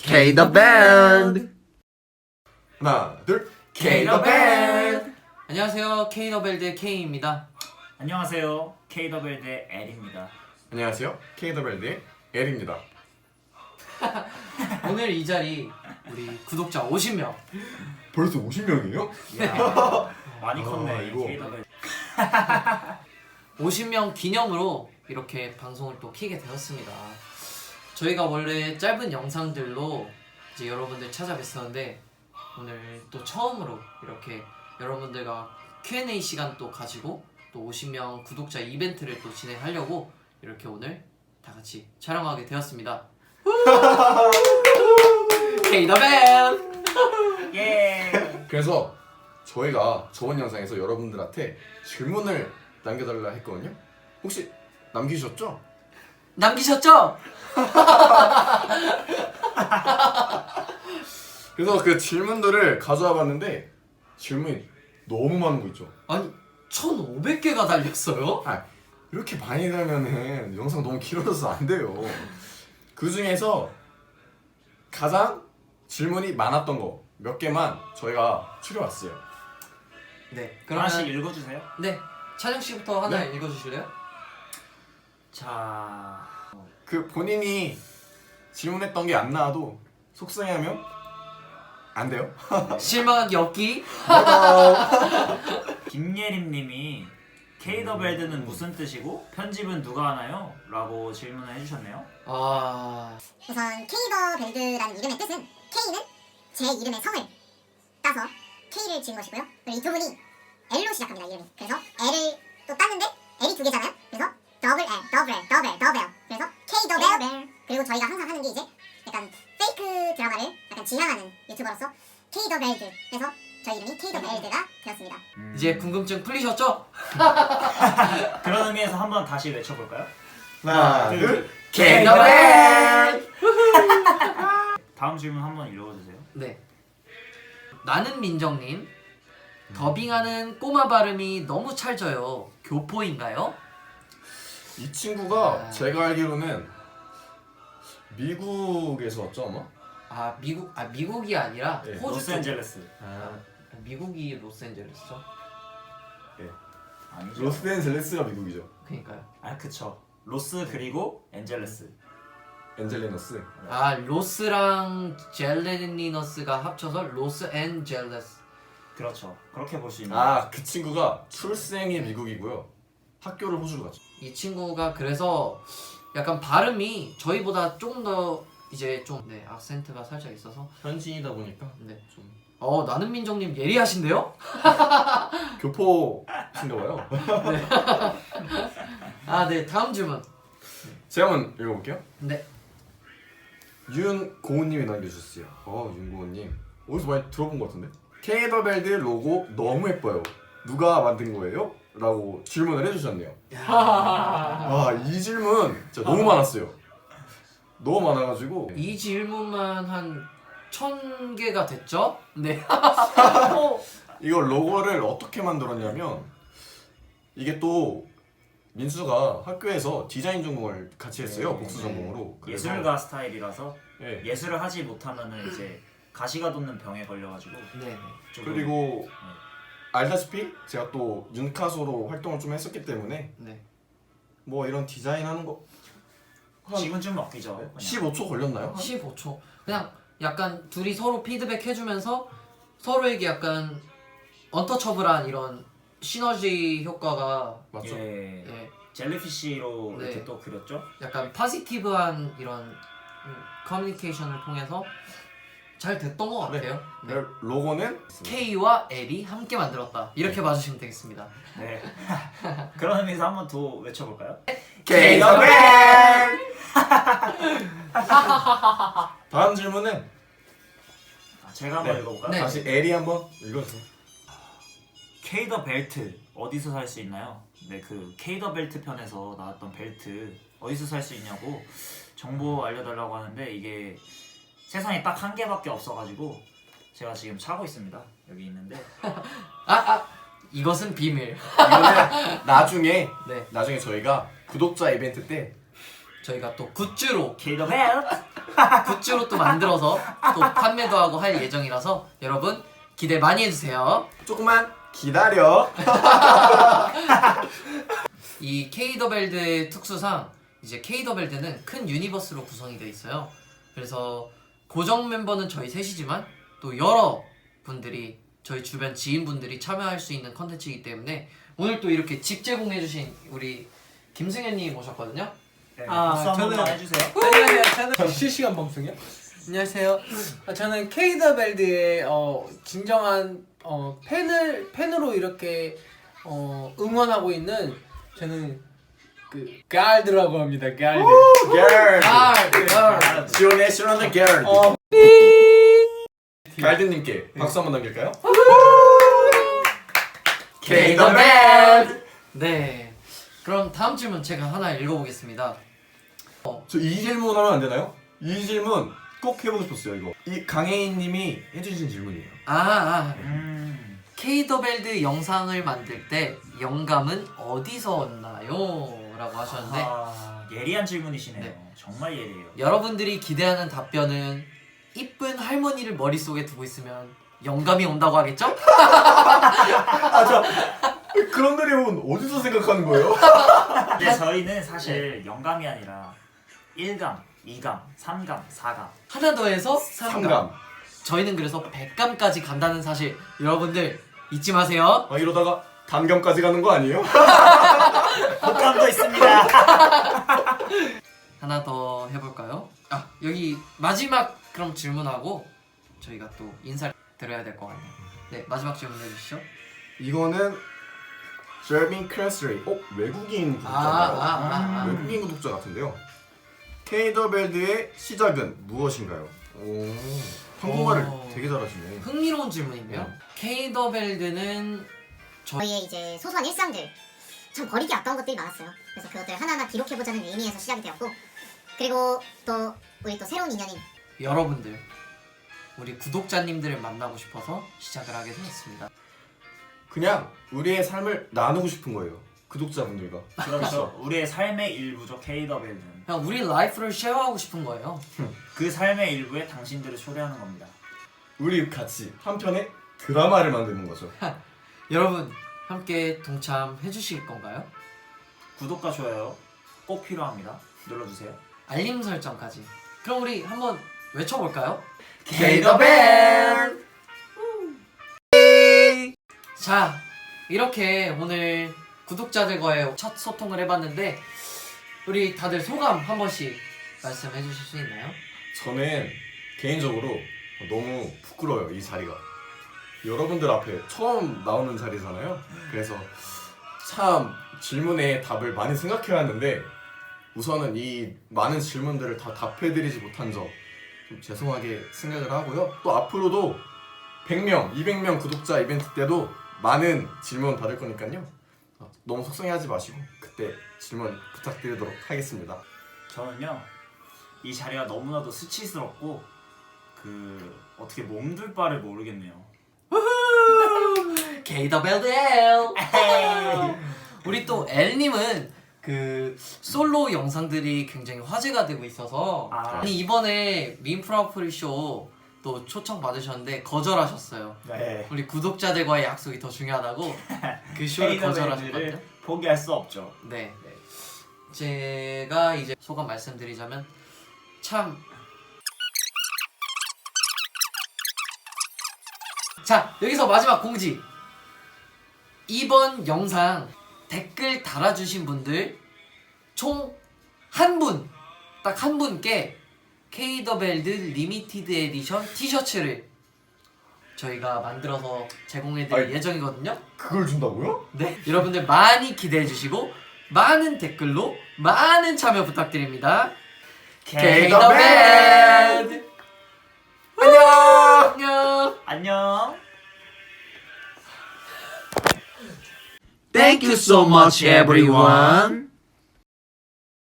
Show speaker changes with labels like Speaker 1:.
Speaker 1: K the Band.
Speaker 2: 하나, 둘,
Speaker 1: K the Band. 안녕하세요, K the Band의 K입니다.
Speaker 3: 안녕하세요, K the Band의 L입니다.
Speaker 2: 안녕하세요, K the Band의 L입니다.
Speaker 1: 오늘 이 자리 우리 구독자 50명.
Speaker 2: 벌써 50명이에요?
Speaker 3: 많이 컸네,
Speaker 2: 이거.
Speaker 3: K the Band.
Speaker 1: 50명 기념으로 이렇게 방송을 또 키게 되었습니다. 저희가 원래 짧은 영상들로 이제 여러분들 찾아뵀었는데 오늘 또 처음으로 이렇게 여러분들과 Q&A 시간 또 가지고 또 50명 구독자 이벤트를 또 진행하려고 이렇게 오늘 다 같이 촬영하게 되었습니다. K the Band.
Speaker 3: 예.
Speaker 2: 그래서 저희가 저번 영상에서 여러분들한테 질문을 남겨달라 했거든요. 혹시 남기셨죠?
Speaker 1: 남기셨죠?
Speaker 2: 그래서 그 질문들을 가져와 봤는데 질문이 너무 많은 거 있죠.
Speaker 1: 아니 1,500개가 달렸어요?
Speaker 2: 이렇게 많이 달면은 영상 너무 길어져서 안 돼요. 그 중에서 가장 질문이 많았던 거 몇 개만 저희가 추려왔어요.
Speaker 1: 네,
Speaker 3: 하나씩 읽어주세요.
Speaker 1: 네, 찬영 씨부터 하나
Speaker 2: 네.
Speaker 1: 읽어주실래요?
Speaker 3: 자,
Speaker 2: 그 본인이 질문했던 게 안 나와도 속상해하면 안 돼요.
Speaker 1: 실망하기 없기.
Speaker 3: 김예림님이 K the Band는 무슨 뜻이고 편집은 누가 하나요? 라고 질문을 해주셨네요.
Speaker 1: 아,
Speaker 4: 우선 K더 벨드라는 이름의 뜻은 K는 제 이름의 성을 따서 K를 지은 것이고요. 그리고 이 두 분이 L로 시작합니다. 이름이. 그래서 L을 또 땄는데 L이 두 개잖아요. 그래서 더블 그래서 K 더 벨. 그리고 저희가 항상 하는 게 이제 약간 페이크 드라마를 약간 지향하는 유튜버로서 K 더 벨드. 그래서 저희 이름이 K 더 벨드가 되었습니다.
Speaker 1: 이제 궁금증 풀리셨죠?
Speaker 3: 그런 의미에서 한번 다시 외쳐볼까요?
Speaker 2: 하나, 둘,
Speaker 1: K the Band.
Speaker 3: 다음 질문 한번 읽어주세요.
Speaker 1: 네. 나는 민정님, 더빙하는 꼬마 발음이 너무 찰져요. 교포인가요?
Speaker 2: 이 친구가
Speaker 1: 아.
Speaker 2: 제가 알기로는 미국에서 왔죠 아마?
Speaker 1: 아, 미국이 아니라
Speaker 2: 네,
Speaker 1: 호주 쪽.
Speaker 3: 로스앤젤레스.
Speaker 1: 미국이 로스앤젤레스죠?
Speaker 3: 아니죠.
Speaker 2: 로스앤젤레스가 미국이죠.
Speaker 1: 그러니까요.
Speaker 3: 아, 그쵸. 로스 그리고 엔젤레스.
Speaker 2: 엔젤리너스.
Speaker 1: 아, 로스랑 젤레니너스가 합쳐서 로스앤젤레스.
Speaker 3: 그렇죠. 그렇게 볼 수 있는.
Speaker 2: 그 친구가 출생이 미국이고요. 학교를 호주로 갔죠.
Speaker 1: 이 친구가 그래서 약간 발음이 저희보다 조금 더 이제 좀 악센트가 살짝 있어서
Speaker 2: 현지이다 보니까
Speaker 1: 네.
Speaker 2: 좀
Speaker 1: 나는 민정님 예리하신데요?
Speaker 2: 교포신가 봐요.
Speaker 1: 아, 네, 다음 질문.
Speaker 2: 제가 한번 읽어볼게요.
Speaker 1: 네.
Speaker 2: 윤고은님이 남겨주셨어요. 윤고은님 어디서 많이 들어본 것 같은데? 케이더벨드 로고 너무 예뻐요. 누가 만든 거예요? 라고 질문을 해주셨네요. 이 질문 진짜 너무 많았어요. 너무 많아가지고
Speaker 1: 이 질문만 한 1,000개가 됐죠? 네.
Speaker 2: 이거 로고를 어떻게 만들었냐면 이게 또 민수가 학교에서 디자인 전공을 같이 했어요. 복수 전공으로. 그래서
Speaker 3: 예술가 스타일이라서
Speaker 2: 네.
Speaker 3: 예술을 하지 못하면은 이제 가시가 돋는 병에 걸려가지고
Speaker 1: 네.
Speaker 3: 조금
Speaker 2: 그리고 알다시피 제가 또 윤카소로 활동을 좀 했었기 때문에
Speaker 1: 네.
Speaker 2: 뭐 이런 디자인 하는 거 한
Speaker 3: 지금 좀 먹기죠. 그냥.
Speaker 2: 15초 걸렸나요?
Speaker 1: 15초. 그냥 약간 둘이 서로 피드백 해주면서 서로에게 약간 언터처블한 이런 시너지 효과가
Speaker 2: 맞죠?
Speaker 3: 예.
Speaker 1: 예,
Speaker 3: 젤리피쉬로
Speaker 1: 네.
Speaker 3: 이렇게 또 그렸죠.
Speaker 1: 약간 파지티브한 이런 커뮤니케이션을 통해서 잘 됐던 것 같아요. 네.
Speaker 2: 로고는
Speaker 1: K와 L이 함께 만들었다. 이렇게 봐주시면 되겠습니다.
Speaker 3: 네. 그런 의미에서 한번 더 외쳐볼까요?
Speaker 1: K the
Speaker 2: Band! 다음 질문은
Speaker 3: 제가 한번
Speaker 2: 네.
Speaker 3: 읽어볼까요?
Speaker 1: 네.
Speaker 2: 다시 에리 한번 읽어주세요.
Speaker 3: K 더 벨트 어디서 살 수 있나요? 네, 그 K 더 벨트 편에서 나왔던 벨트 어디서 살 수 있냐고 정보 알려달라고 하는데 이게 세상에 딱 한 개밖에 없어가지고 제가 지금 차고 있습니다. 여기 있는데
Speaker 1: 이것은 비밀.
Speaker 2: 이거는 나중에
Speaker 1: 네.
Speaker 2: 저희가 구독자 이벤트 때
Speaker 1: 저희가 또 굿즈로
Speaker 3: K-the Belt.
Speaker 1: 굿즈로 또 만들어서 또 판매도 하고 할 예정이라서 여러분 기대 많이 해주세요.
Speaker 2: 조금만 기다려.
Speaker 1: 이 K-더벨드의 특수상 이제 K-더벨드는 큰 유니버스로 구성이 되어 있어요. 그래서 고정 멤버는 저희 셋이지만 또 여러 분들이 저희 주변 지인분들이 참여할 수 있는 컨텐츠이기 때문에 오늘 또 이렇게 집 제공해주신 우리 김승현님 오셨거든요.
Speaker 3: 네,
Speaker 5: 아,
Speaker 3: 박수 한 번만
Speaker 5: 저는-
Speaker 3: 해주세요.
Speaker 5: 안녕하세요. 저는 실시간 방송이요? 안녕하세요. 저는 케이더벨드의 진정한 팬으로 이렇게 응원하고 있는 저는 그 갈드라고 합니다. 갈드.
Speaker 2: girl. 지원의 실현의 girl.
Speaker 5: 어,
Speaker 2: 갈드님께 박수 한번 남길까요?
Speaker 1: K-더벨드. 네. 그럼 다음 질문 제가 하나 읽어보겠습니다.
Speaker 2: 저 이 질문 하면 안 되나요? 이 질문 꼭 해보고 싶었어요. 이거 이 강혜인님이 해주신 질문이에요.
Speaker 1: K-더벨드 영상을 만들 때 영감은 어디서 얻나요? 라고 하셨는데
Speaker 3: 예리한 질문이시네요.
Speaker 1: 네.
Speaker 3: 정말 예리해요.
Speaker 1: 여러분들이 기대하는 답변은 이쁜 할머니를 머릿속에 두고 있으면 영감이 온다고 하겠죠?
Speaker 2: 그런 드림은 어디서 생각하는 거예요?
Speaker 3: 근데 저희는 사실 영감이 아니라 1감, 2감, 3감, 4감.
Speaker 1: 하나 더 해서 3감.
Speaker 2: 삼감.
Speaker 1: 저희는 그래서 100감까지 간다는 사실 여러분들 잊지 마세요.
Speaker 2: 아 이러다가 단감까지 가는 거 아니에요?
Speaker 3: 복감도 있습니다.
Speaker 1: 하나 더 해볼까요? 아 여기 마지막 그럼 질문하고 저희가 또 인사를 드려야 될 것 같네요. 네 마지막 질문 해주시죠.
Speaker 2: 이거는 제르민 크레스레이. 외국인 구독자인가요?
Speaker 1: 아.
Speaker 2: 외국인 구독자 같은데요. K-더벨드의 시작은 무엇인가요? 오, 한국말을
Speaker 1: 오.
Speaker 2: 되게 잘하시네.
Speaker 1: 흥미로운 질문인데요. K-더벨드는
Speaker 4: 저희의 이제 소소한 일상들 참 버리기 아까운 것들이 많았어요. 그래서 그것들 하나하나 기록해보자는 의미에서 시작이 되었고 그리고 또 우리 또 새로운 인연인
Speaker 1: 여러분들 우리 구독자님들을 만나고 싶어서 시작을 하게 되었습니다.
Speaker 2: 그냥 우리의 삶을 나누고 싶은 거예요. 구독자분들과.
Speaker 3: 그렇죠. 우리의 삶의 일부죠. K-더벨드는.
Speaker 1: 그냥 우리 라이프를 쉐어하고 싶은 거예요.
Speaker 3: 그 삶의 일부에 당신들을 초대하는 겁니다.
Speaker 2: 우리 같이 한 편의 드라마를 만드는 거죠.
Speaker 1: 여러분 함께 동참해 주실 건가요?
Speaker 3: 구독과 좋아요 꼭 필요합니다. 눌러주세요.
Speaker 1: 알림 설정까지. 그럼 우리 한번 외쳐볼까요?
Speaker 2: K-더벨!
Speaker 1: 자 이렇게 오늘 구독자들과의 첫 소통을 해봤는데 우리 다들 소감 한 번씩 말씀해 주실 수 있나요?
Speaker 2: 저는 개인적으로 너무 부끄러워요. 이 자리가. 여러분들 앞에 처음 나오는 자리잖아요. 그래서 참 질문에 답을 많이 생각해왔는데 우선은 이 많은 질문들을 다 답해드리지 못한 점 좀 죄송하게 생각을 하고요. 또 앞으로도 100명, 200명 구독자 이벤트 때도 많은 질문 받을 거니까요. 너무 속상해하지 마시고 그때 질문 부탁드리도록 하겠습니다.
Speaker 3: 저는요 이 자리가 너무나도 수치스럽고 어떻게 몸둘 바를 모르겠네요.
Speaker 1: K-더벨드 L. 우리 또 L님은 그 솔로 영상들이 굉장히 화제가 되고 있어서 아니 이번에 민프라프리 쇼또 초청 받으셨는데 거절하셨어요.
Speaker 3: 네.
Speaker 1: 우리 구독자들과의 약속이 더 중요하다고 그 쇼를 거절하셨거든요.
Speaker 3: K-더벨드를 포기할 수 없죠.
Speaker 1: 네. 제가 이제 소감 말씀드리자면 참 자 여기서 마지막 공지. 이번 영상 댓글 달아주신 분들 총 한 분, 딱 한 분께 K-더벨드 리미티드 에디션 티셔츠를 저희가 만들어서 제공해드릴
Speaker 2: 아이.
Speaker 1: 예정이거든요.
Speaker 2: 그걸 준다고요?
Speaker 1: 네, 여러분들 많이 기대해주시고 많은 댓글로 많은 참여 부탁드립니다. K-더벨드 안녕.
Speaker 3: 안녕.
Speaker 6: Thank you so much, everyone.